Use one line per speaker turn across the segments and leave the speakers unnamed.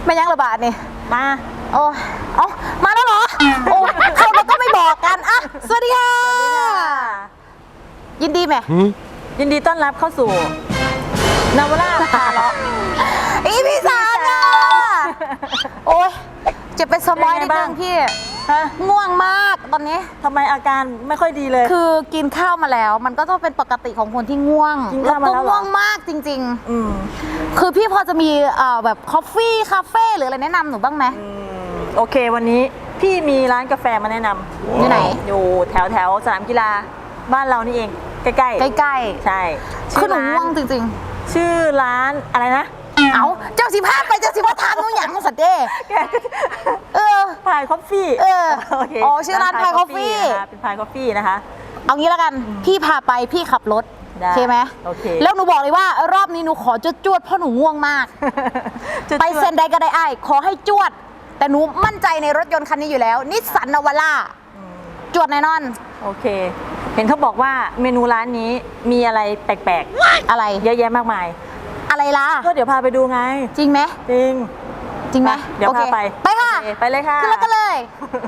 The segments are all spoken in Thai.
ไม่ยั้งระบาดนี่
มา
โอ้เอ้ามาแล้วเหรอโอ้เขาก็ไม่บอกกันอ่ะสวัสดีค่ะยินดีไหม
ยินดีต้อนรับเข้าสู่นาวราพาเลาะ
อีพี่สามค่ะโอ้ยจะเป็นสมอยนิดนึงพี่ง่วงมากตอนนี้
ทำไมอาการไม่ค่อยดีเลย
คือกินข้าวมาแล้วมันก็ต้องเป็นปกติของคนที่ง่วงแล้วก็ง่วงมากจริงๆคือพี่พอจะมีแบบคอฟฟี่คาเฟ่หรืออะไรแนะนำหนูบ้างไหม
โอเควันนี้พี่มีร้านกาแฟมาแนะนำ
อยู่ไหน
อยู่แถวสนามกีฬาบ้านเรานี่เองใกล้ๆใช่
คือหนูง่วงจริง
ๆชื่อร้านอะไรนะ
เอาเจ้าสิพาไปเจ้าสิพาทานนู่นอย่างสัตว์เด้
พายคอฟฟี่
อ๋อชื่อร้านพายคอฟฟี่
เป็นพายคอฟฟี่นะคะ
เอางี้แล้วกันพี่พาไปพี่ขับรถโอเคไหม
โอเค
แล้วหนูบอกเลยว่ารอบนี้หนูขอจวดเพราะหนูง่วงมากไปเซ็นใดก็ได้ขอให้จวดแต่หนูมั่นใจในรถยนต์คันนี้อยู่แล้วนิสสันนาวาร่าจวดแน่นอน
โอเคเห็นเขาบอกว่าเมนูร้านนี้มีอะไรแปลก
ๆอะไร
เยอะแยะมากมาย
อะไรล่ะ
ก็เดี๋ยวพาไปดูไง
จริงไหม
จริง
ไหม
เดี๋ยวพาไป
ค่ะ
ไปเลยค่ะ
ขึ้นรถกันเลย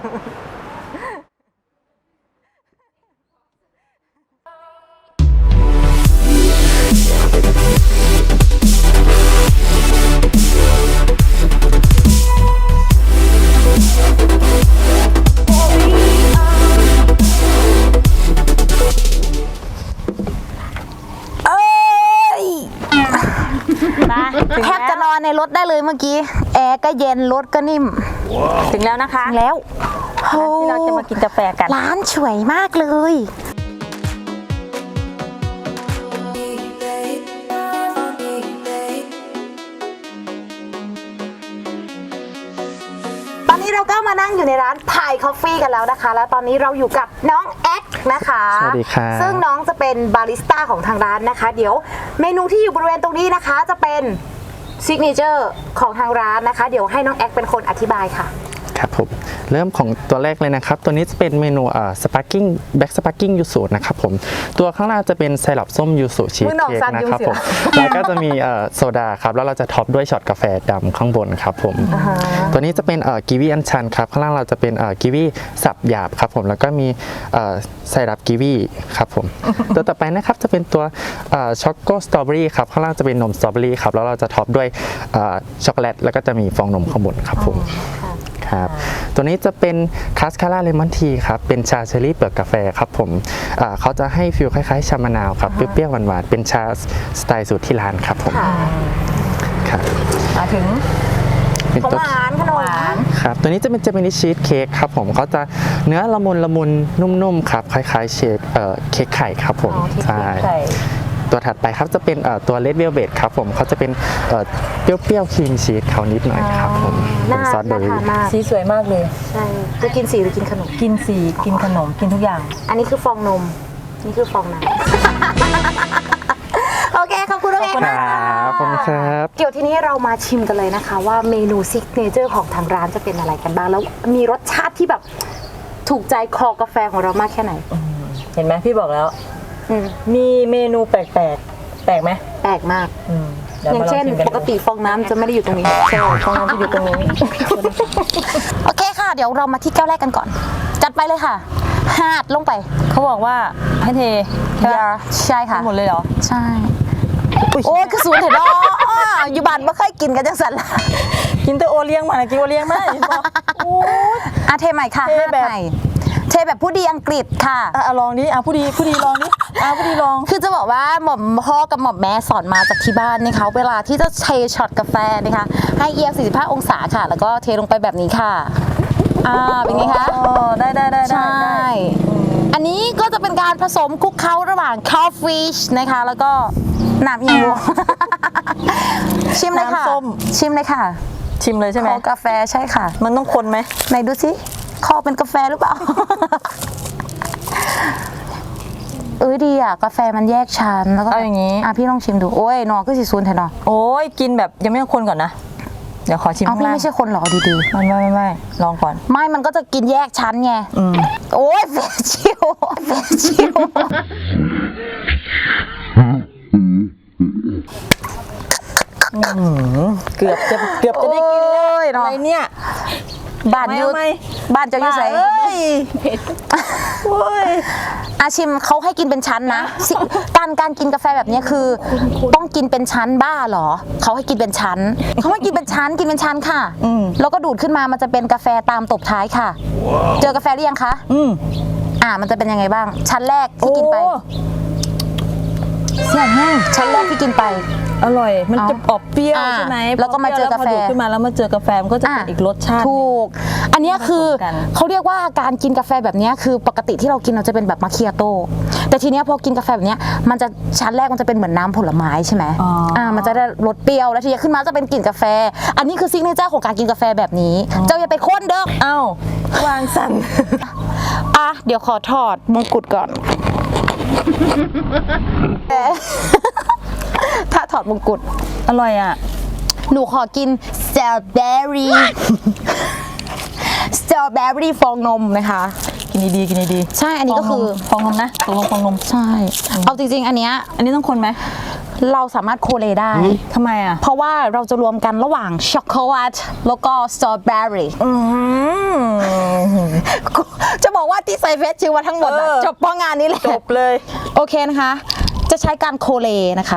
แทบจะนอนในรถได้เลยเมื่อกี้แอร์ก็เย็นรถก็นิ่ม
ถึงแล้วนะคะ
ถึงแล้ว
ที่เราจะมากินกาแฟกัน
ร้านสวยมากเลยตอนนี้เราก็มานั่งอยู่ในร้านพายคอฟฟี่กันแล้วนะคะแล้วตอนนี้เราอยู่กับน้องแอ๊กนะคะ
สวัสดีค่ะ
ซึ่งน้องจะเป็นบาริสต้าของทางร้านนะคะเดี๋ยวเมนูที่อยู่บริเวณตรงนี้นะคะจะเป็นซิกเนเจอร์ของทางร้านนะคะเดี๋ยวให้น้องแอ๊กเป็นคนอธิบายค่ะ
ครับผมเริ่มของตัวแรกเลยนะครับตัวนี้จะเป็นเมนูสปาร์กิ้งแบ็กสปาร์กิ้งยูสุนะครับผมตัวข้างล่างจะเป็นไซรัปส้มยูสุชีสเค้กนะครับผมแล้วก็จะมีโซดาครับแล้วเราจะท็อปด้วยช็อตกาแฟดำข้างบนครับผมตัวนี้จะเป็นกีวีอัญชันครับข้างล่างเราจะเป็นกีวีสับหยาบครับผมแล้วก็มีไซรัปกีวีครับผมตัวต่อไปนะครับจะเป็นตัวช็อกโกสตรอเบอรี่ครับข้างล่างจะเป็นนมสตรอเบอรี่ครับแล้วเราจะท็อปด้วยช็อกโกแลตแล้วก็จะมีฟองนมข้างบนครับผมครับตัวนี้จะเป็นคาสคาร่าเลมอนทีครับเป็นชาเชอรี่เปลือกกาแฟครับผมเขาจะให้ฟิลคล้ายๆชามะนาวครับเปรี้ยวๆหวานๆเป็นชาสไตล์สูตรที่ร้านครับผมครับ
มาถึง
ขนมหวาน
ครับตัวนี้จะเป็นเจมินิชีสเค้กครับผมเขาจะเนื้อละมุนนุ่มๆครับคล้ายๆเค้กไข่ครับผมใช่ตัวถัดไปครับจะเป็นตัวเลดเวลเวทครับผมเขาจะเป็นเปรี้ยวๆครีมชีสเขานิดหน่อยครับผมเป็นซอสเบอร์รี่
สีสวยมากเลย
ใช่จะกินสีหรือกินขนม
กินสีกินขนมกินทุกอย่าง
อันนี้คือฟองนมนี่คือฟองน้ำโอเคขอบคุณน้องเอก
ครับขอบคุณครับ
เดี๋ยวทีนี้เรามาชิมกันเลยนะคะว่าเมนูซิกเนเจอร์ของทางร้านจะเป็นอะไรกันบ้างแล้วมีรสชาติที่แบบถูกใจคอกาแฟของเรามากแค่ไหน
เห็นไหมพี่บอกแล้วมีเมนูแปลกไหม
แปลกมากอย่างเช่นปกติฟองน้ำจะไม่ได้อยู่ตรงนี้
ใช่ฟองน้ำจะอยู่ตรงนี้
โอเคค่ะเดี๋ยวเรามาที่แก้วแรกกันก่อนจัดไปเลยค่ะหาดลงไป
เขาบอกว่าให้เท
ใช่ค่ะ
หมดเลยเหรอ
ใช่โอ้ยคือสูตรเถอะเนาะอยู่บ้านไม่เคยกินกันจังสัน
กินแต่โอเลี้ยงมากินโอเลี้ยงมาโอ้
เทใหม่ค่ะเทแบบผู้ดีอังกฤษค่ะ
ลองนี้ผู้ดีลองนี้ผู้ดีลอง
คือจะบอกว่าหม่อมพ่อกับหม่อมแม่สอนมาจากที่บ้านนะคะเวลาที่จะเทช็อตกาแฟนะคะให้เอียง45องศาค่ะแล้วก็เทลงไปแบบนี้ค่ะเป็นไงคะ
ได้
ใช่อันนี้ก็จะเป็นการผสมคลุกเคล้าระหว่างคอฟฟี่นะคะแล้วก็น้ำยังชิมเลยค่ะชิมเลยค่ะ
ชิมเลยใช่ไหม
กาแฟใช่ค่ะ
มันต้องคนไหม
ไหนดูสิคอเป็นกาแฟหรือเปล่าดีอ่ะกาแฟมันแยกชั้นแล้วก็
เอาอย่างนี้
พี่ลองชิมดูโอ้ยนอก็สิซูนแทนนอ
โอ้ยกินแบบยังไม่ต้องคนก่อนนะเดี๋ยวขอชิม
พี่ไม่ใช่คนหรอดี
ๆไม่ลองก่อน
ไม่มันก็จะกินแยกชั้นไงโอ้ยเฟชิว
เกือบจะได้กินแล้ว
เนาะ
อะไรเนี่ย
บ้านอยู
เอาไหม
บ้านจะอยู่ใส่
เอ้ยโอ้ย
อาชิมเขาให้กินเป็นชั้นนะสิการกินกาแฟแบบนี้คือ ต้องกินเป็นชั้นบ้าเหรอเขาให้กินเป็นชั้นเขาให้กินเป็นชั้นกินเป็นชั้นค่ะแล้วก็ดูดขึ้นมามันจะเป็นกาแฟตามตบท้ายค่ะ เจอกาแฟหรือยังคะ มันจะเป็นยังไงบ้าง ชั้นแรกที่กินไป
โอ้แซ่บมาก
ชั้นแรกที่กินไป
อร่อย มันจะออกเปรี้ยว
อ่า
ใช่ไหม
แล้วก็มาเจอกาแฟ
พดูดขึ้นมาแล้วมาเจอกาแฟมันก็จะเป็นอีกรสชาติ
ถูก อันเนี้ยคือ
ผสมกัน
เขาเรียกว่าการกินกาแฟแบบเนี้ยคือปกติที่เรากินเราจะเป็นแบบมาคิอาโต้แต่ทีเนี้ยพอกินกาแฟแบบเนี้ยมันจะชั้นแรกมันจะเป็นเหมือนน้ำผลไม้ใช่ไหมมันจะได้รสเปรี้ยวแล้วทีนี้ขึ้นมาจะเป็นกลิ่นกาแฟ อันนี้คือซิกเนเจอร์ของการกินกาแฟแบบนี้ เจ้าอย่าไปค้นเด้อ
เอ้า วางสั่น
เดี๋ยวขอถอดมงกุฎก่อน ถ้าถอดมงกุฎ
อร่อยอ่ะ
หนูขอกินสตรอเบอรี่ สตรอเบอรี่ฟองนมนะคะ
กินดีๆกินดี
ใช่ อันนี้ก็คือ
ฟองนมนะตกลงฟองนม
ใช่ เอาจริงๆ อันเนี้ย
อันนี้ต้องคนไหม
เราสามารถโคเลได้
ทำไมอ่ะ
เพราะว่าเราจะรวมกันระหว่างช็อกโกแลตแล้วก็สตรอเบอรี่ จะบอกว่าที่ใส่เฟสชิวมาทั้งหมดอะจบเพราะงานนี้แหละ
จบเลย
โอเคนะคะ จะใช้การโคเลนะคะ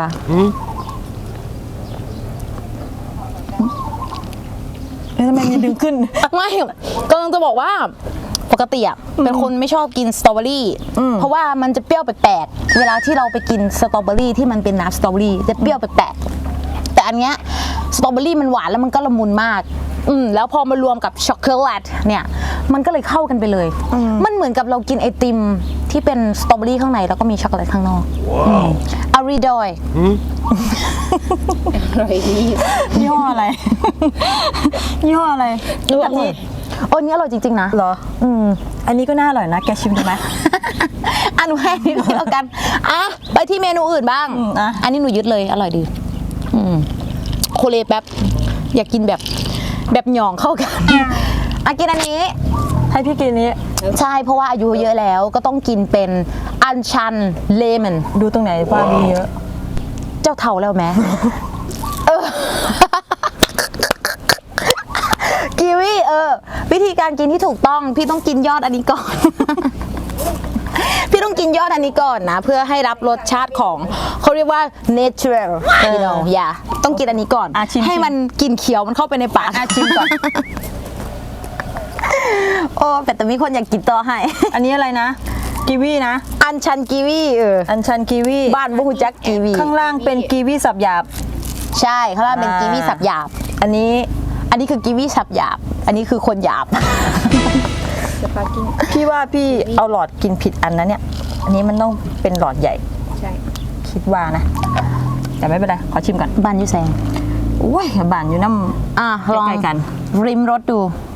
ทำไมมีดึงขึ้น
ไม่กำลังจะบอกว่าปกติอ่ะเป็นคนไม่ชอบกินสตรอเบอรี่เพราะว่ามันจะเปรี้ยวแปลกๆเวลาที่เราไปกินสตรอเบอรี่ที่มันเป็นน้ำสตรอเบอรี่จะเปรี้ยวแปลกๆแต่อันเนี้ยสตรอเบอรี่มันหวานแล้วมันก็ละมุนมากแล้วพอมารวมกับช็อกโกแลตเนี่ยมันก็เลยเข้ากันไปเลยมันเหมือนกับเรากินไอติมที่เป็นสตรอเบอรี่ข้างในแล้วก็มีช็อกโกแลตข้างนอกอารีดอย
ยี่ห้ออะไร ยี่ห้ออะไร
อันนี้อันนี้อร่อยจริงๆนะ
เหรอ อันนี้ก็น่าอร่อยนะ แกชิมดูไหม
หนูให้นิดเดียวกันไปที่เมนูอื่นบ้าง อันนี้หนูยึดเลยอร่อยดีโคเลแป๊บอยากกินแบบหย่องเข้ากันกินอันนี้
ให้พี่กินนี้
ใช่เพราะว่าอายุเยอะแล้วก็ต้องกินเป็นอัญชันเลมอน
ดูตรงไหนว่ามีเยอะ
เจ้าเท่าแล้วไหมกีวีวิธีการกินที่ถูกต้องพี่ต้องกินยอดอันนี้ก่อน พี่ต้องกินยอดอันนี้ก่อนนะ เพื่อให้รับรสชาติของเขาเรียกว่า natural you know ต้องกินอันนี้ก่อน
ชิม
ให้มันกินเขียวมันเข้าไปในปาก
ชิมก่อน
โอ้แต่มีคนอยากกินต่อให้
อันนี้อะไรนะ กีวีนะ
อัญชันกีวี
อันชันกีวี
บ้านบุหุจักกีวี
ข้างล่างเป็นกีวีสับหยาบ
ใช่เขาเรียกเป็นกีวีสับหยาบ
อันนี้
อันนี้คือกีวีสับหยาบ อันนี้คือคนหยาบ
พี่ว่าพี่เอาหลอดกินผิดอันนะเนี่ย อันนี้มันต้องเป็นหลอดใหญ่
ใช่
คิดว่านะ แต่ไม่เป็นไร ขอชิมก่อน
บ้านยูแซง
โอ้ยบานอยู่น้
ลอง
ใกล้ๆกัน
ริมรสดู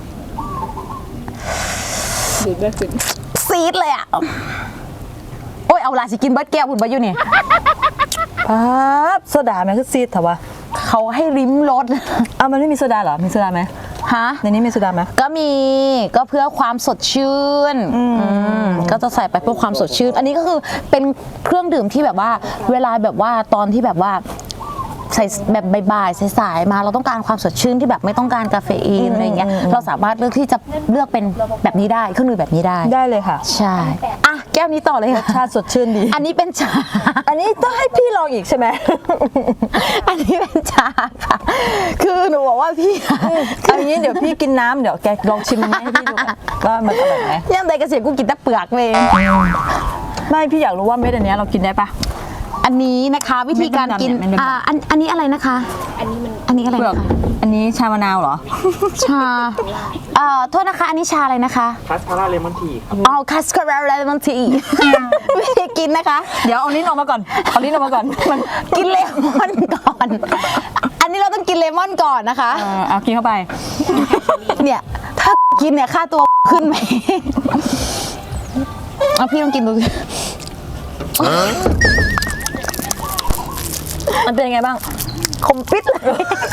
ดูดไม่ขึ้น
ซีดเลยอ่ะ โอ้ยเอาลาสิกินเบิร์ดแก้วคุณบายุนี่
ำป๊าบโซดาไหมคือซีดเถอะวะ
เขาให้ริมรส
เอามันไม่มีโซดาเหรอ มีโซดาไหม
ฮะ
ในนี้มีโซดาไหม
ก็มีก็เพื่อความสดชื่นก็จะใส่ไปเพื่อความสดชื่น อันนี้ก็คือเป็นเครื่องดื่มที่แบบว่า เวลาแบบว่าตอนที่แบบว่าใส่แบบบ่ายๆสายๆมาเราต้องการความสดชื่นที่แบบไม่ต้องการกาเฟอีนอะไรเงี้ยเราสามารถเลือกที่จะเลือกเป็นแบบนี้ได้เครื่องดื่มแบบนี้ได้
ได้เลยค่ะ
ใช่แก้วนี้ต่อเลยค่ะ
ชาติสดชื่นดี
อันนี้เป็นชา
อันนี้ต้องให้พี่ลองอีกใช่ไหม
อันนี้เป็นชาค่ะ คือหนูบอกว่าพี่
เอาอย่างนี้เดี๋ยวพี่กินน้ำเดี๋ยวแกลองชิมมันให้พี่ดูว่ามันอร่อยไหม
ย่ำใดกระเสียกูกินแต่เปลือกเลย
ไม่พี่อยากรู้ว่าเม็ดอันเนี้ยเรากินได้ปะ
อันนี้นะคะวิธีการกิน
เม็ดดำเนี่ย
อันนี้อะไรนะคะ
อันนี้มัน
อันนี้อะไร
เปลือก
นะคะ
อันนี้ชามะนาวเหรอ
ชาโทษนะคะ อันนี้ชาอะไรนะคะ
คาสคาร่าเลมอนทีครับ
คัสคาราเลมอนที วิธีกินนะคะ
เดี๋ยวเอาลิ้นออกมาก่อน เอาลิ้นออกมาก่อน มัน
กินเลมอนก่อน อันนี้เราต้องกินเลมอนก่อนนะคะ
เอากินเข้าไป
เนี่ย ถ้ากินเนี่ยค่าตัวขึ้นไหมเอาพี่ต้องกินดูสิ
มันเป็นยังไงบ้าง
คมปิดเลย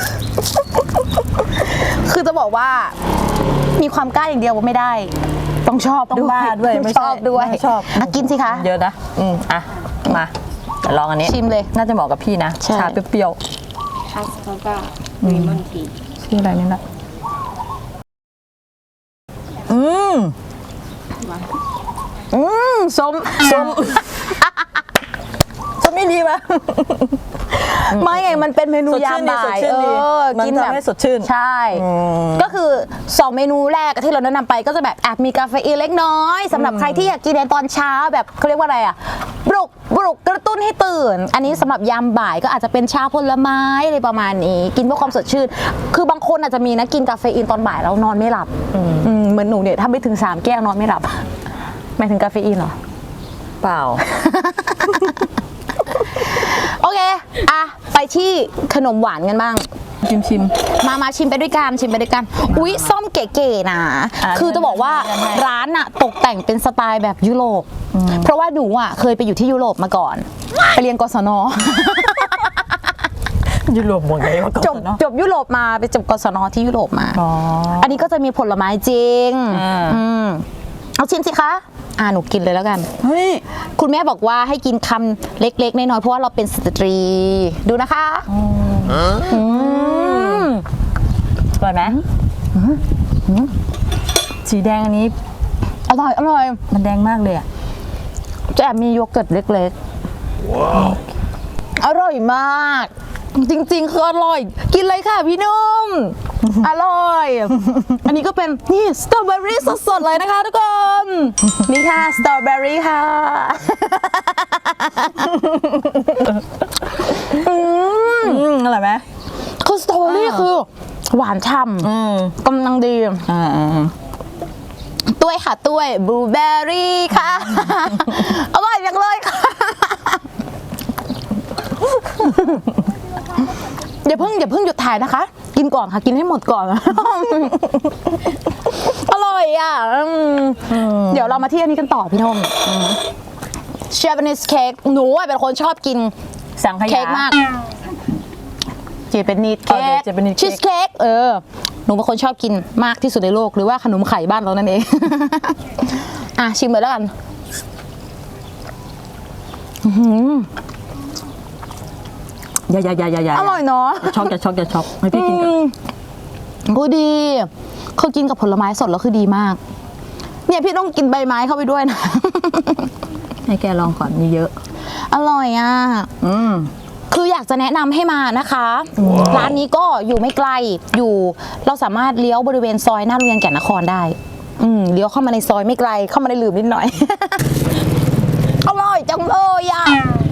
คือจะบอกว่า มีความกล้าอย่างเดียวไม่ได้ ต้องชอบ
ต้องบ้าด้วย
ต้อง
ไม่
ช
ใช่
อบด้วย
ไม่ชอบ
กินสิคะ
เยอะนะอ่ะมาเดี๋ยวลองอันนี้
ชิมเลย
น่าจะเหมาะกับพี่นะ
ใช่
ชาเปรี้ยว
คาสคาร่าเลมอนที
ๆชื่ออะไรนี่นะ
ส้ม
จะไม่ดีปะ
ไม่ไงมันเป็นเมนูยามบ่าย
สดชื่นดีมัน
กิน
ทำ
แบบ
ให้สดชื่น
ใช่ ก็คือ2เมนูแรกที่เราแนะนำไปก็จะแบบแอบมีกาเฟอีนเล็กน้อยสำหรับใครที่อยากกินในตอนเช้าแบบเขาเรียกว่าอะไรอ่ะปลุกกระตุ้นให้ตื่น อันนี้สำหรับยามบ่ายก็อาจจะเป็นชาผลไม้อะไรประมาณนี้กินเพื่อความสดชื่น คือบางคนอาจจะมีนะกินกาเฟอีนตอนบ่ายแล้วนอนไม่หลับเหมือนหนูเนี่ยถ้าไม่ถึง3 แก้วนอนไม่หลับหมายถึงกาเฟอีนเหรอ
เปล่า
โอเค อ่ะ ไปที่ขนมหวานกันบ้าง
ชิม
มาชิมไปด้วยกัน อุ๊ย ส้มเก๋ๆนะ คือจะบอกว่าร้านอะตกแต่งเป็นสไตล์แบบยุโรป เพราะว่าหนูอะเคยไปอยู่ที่ยุโรปมาก่อน ไปเรียนกศน
ยุโรปหมดเลยว่า
จบยุโรปมาไปจบกศนที่ยุโรปมา อันนี้ก็จะมีผลไม้จริง เอาชิมสิคะ หนูกินเลยแล้วกัน
เฮ้ย
คุณแม่บอกว่าให้กินคำเล็กๆน้อยๆเพราะว่าเราเป็นสตรี ดูนะคะ
อร่อยไหมสีแดงอันนี้
อร่อย
มันแดงมากเลยอ่ะ
จะแอบมีโยเกิร์ตเล็กๆอร่อยมาก จริงๆคืออร่อย กินเลยค่ะพี่นุ่ม อร่อย อันนี้ก็เป็นนี่สตรอเบอรี่สดๆเลยนะคะทุกคน นี่ค่ะสตรอเบอรี่ค่ะ
อร่อยไหม
คือสตรอเบอรี่คือหวานฉ่ำกำลังดีต้วยค่ะต้วยบลูเบอร์รี่ค่ะ อร่อยจังเลยค่ะ อย่าเพิ่งหยุดถ่ายนะคะ กินก่อนค่ะ กินให้หมดก่อน อร่อยอ่ะเดี๋ยวเรามาที่อันนี้กันต่อพี่นมเชฟนิสเค้กหนูเป็นคนชอบกิน
สังขยา
เค้กมากเจเป็นนิดเค้ก
เจเป็นนิดเค้ก
ชีสเค้กหนูเป็นคนชอบกินมากที่สุดในโลกหรือว่าขนมไข่บ้านเรานั่นเอง ชิมเลยแล้วกัน
อย่า
อร่อยเนาะ
ช็อกอย่าช็อกให้พี่กินก่อน
ก็ดีคือกินกับผลไม้สดแล้วคือดีมาก เนี่ยพี่ต้องกินใบไม้เข้าไปด้วยนะ
ให้แกลองก่อนมีเยอะ
อร่อยอ่ะคืออยากจะแนะนำให้มานะคะ ร้านนี้ก็อยู่ไม่ไกลเราสามารถเลี้ยวบริเวณซอยหน้าโรงเรียนแก่นนครได้เลี้ยวเข้ามาในซอยไม่ไกลเข้ามาในหลืมนิดหน่อย อร่อยจังเลยอ่ะ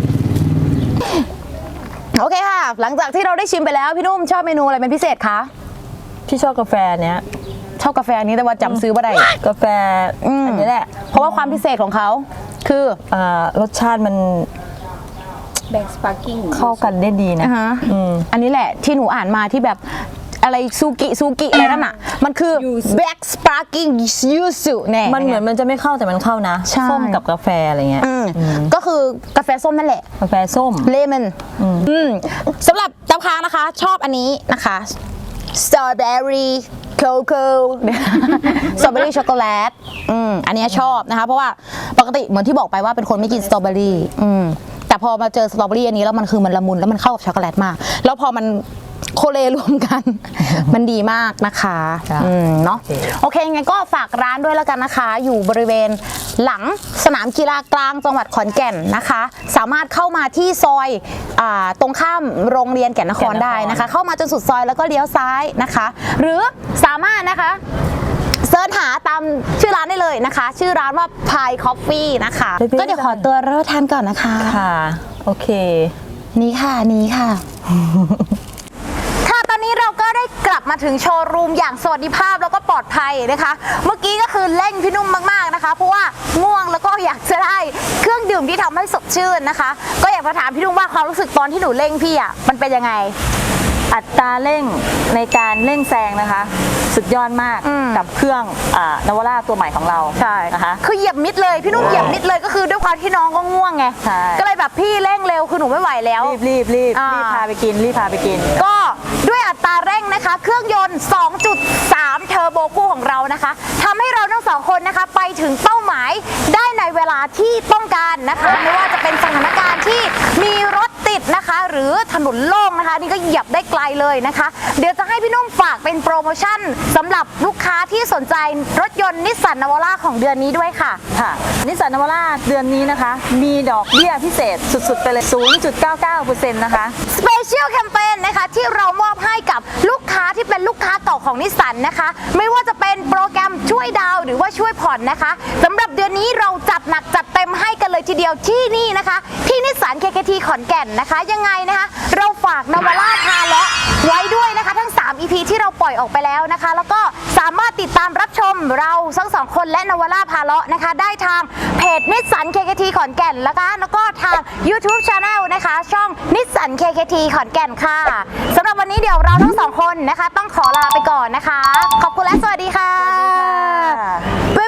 โอเคค่ะ หลังจากที่เราได้ชิมไปแล้วพี่นุ่มชอบเมนูอะไรเป็นพิเศษคะ
พี่ชอบกาแฟเนี้ย
ชอบกาแฟอันนี้แต่ว่าจำซื้อไม่ได้
กาแฟอันนี้แหละ
เพราะว่าความพิเศษของเขาคือ
รสชาติมัน
แบล็กสปาร์กิ้ง
เข้ากันได้ดีนะ
อันนี้แหละที่หนูอ่านมาที่แบบอะไรซูกิอะไรนั่นน่ะมันคือ Black Sparkling Yuzu แน่
มันเหมือนมันจะไม่เข้าแต่มันเข้านะ
ใช่
ส้มกับกาแฟอะไรเงี้ย
ก็คือกาแฟส้มนั่นแหละ
กาแฟส้ม
เลมอนสำหรับตำค้างนะคะชอบอันนี้นะคะสตรอเบอรี่โคโค่สตรอเบอรี่ช็อกโกแลตอันนี้ชอบนะคะเพราะว่าปกติเหมือนที่บอกไปว่าเป็นคนไม่กินสตรอเบอรี่แต่พอมาเจอสตรอเบอรี่อันนี้แล้วมันคือมันละมุนแล้วมันเข้ากับช็อกโกแลตมากแล้วพอมันโคเลรวมกัน มันดีมากนะคะเนาะโอเคงั้นก็ฝากร้านด้วยแล้วกันนะคะ อยู่บริเวณหลังสนามกีฬากลางจังหวัดขอนแก่นนะคะ สามารถเข้ามาที่ซอยตรงข้ามโรงเรียนแก่นนครได้นะคะ เข้ามาจนสุดซอยแล้วก็เลี้ยวซ้ายนะคะ หรือสามารถนะคะเสิร์ชหาตามชื่อร้านได้เลยนะคะ ชื่อร้านว่า Pie Coffee นะคะ ก็เดี๋ยวขอตัวรับประทานก่อนนะคะ
ค่ะโอเค
นี่ค่ะค่ะตอนนี้เราก็ได้กลับมาถึงโชว์รูมอย่างสวัสดิภาพแล้วก็ปลอดภัยนะคะ เมื่อกี้ก็คือเร่งพี่นุ่มมากๆนะคะ เพราะว่าง่วงแล้วก็อยากจะได้เครื่องดื่มที่ทำให้สดชื่นนะคะ ก็อยากจะถามพี่นุ่มว่าความรู้สึกตอนที่หนูเร่งพี่มันเป็นยังไง
อัตราเร่งในการเร่งแซงนะคะ สุดยอดมากกับเครื่องนวาร่าตัวใหม่ของเรานะคะ
คือเหยียบมิดเลยพี่นุ่มเหยียบมิดเลยก็คือด้วยความที่น้องก็ง่วงไง
ใช่
ก็เลยแบบพี่เร่งเร็วคือหนูไม่ไหวแล้ว
รีบพาไปกิน
ก็ด้วยอัตราเร่งนะคะ เครื่องยนต์ 2.3 เทอร์โบคู่ของเรานะคะทำให้เราทั้งสองคนนะคะไปถึงเป้าหมายได้ในเวลาที่ต้องการนะคะไม่ว่าจะเป็นสถานการณ์ที่มีรถติดติดนะคะ หรือถนนโล่งนะคะนี่ก็เหยียบได้ไกลเลยนะคะ เดี๋ยวจะให้พี่นุ่มฝากเป็นโปรโมชั่นสำหรับลูกค้าที่สนใจรถยนต์นิสสันนาวาร่าของเดือนนี้ด้วยค่ะ
ค่ะนิสสันนาวาร่าเดือนนี้นะคะ มีดอกเบี้ยพิเศษสุดๆไปเลย 0.99% นะคะ
สเปเชียลแคมเปญนะคะที่เรามอบให้กับลูกค้าที่เป็นลูกค้าเก่าของนิสสันนะคะ ไม่ว่าจะเป็นโปรแกรมช่วยดาวน์หรือว่าช่วยผ่อนนะคะสำหรับเดือนนี้เราจัดหนักจัดเต็มให้กันเลยทีเดียวที่นี่นะคะ ที่นิสสัน KKT ขอนแก่นนะคะ ยังไงนะคะ เราฝากนาวาร่าพาเลาะไว้ด้วยนะคะทั้ง 3 EP ที่เราปล่อยออกไปแล้วนะคะ แล้วก็สามารถติดตามรับชมเราทั้ง 2 คนและนาวาร่าพาเลาะนะคะ ได้ทางเพจนิสสัน KKT ขอนแก่นแล้วก็ทาง YouTube Channel นะคะช่องนิสสัน KKT ขอนแก่นค่ะสำหรับวันนี้เดี๋ยวเราทั้ง 2 คนนะคะ ต้องขอลาไปก่อนนะคะ ขอบคุณและสวัสดีค่ะ
สวัสดีค่ะ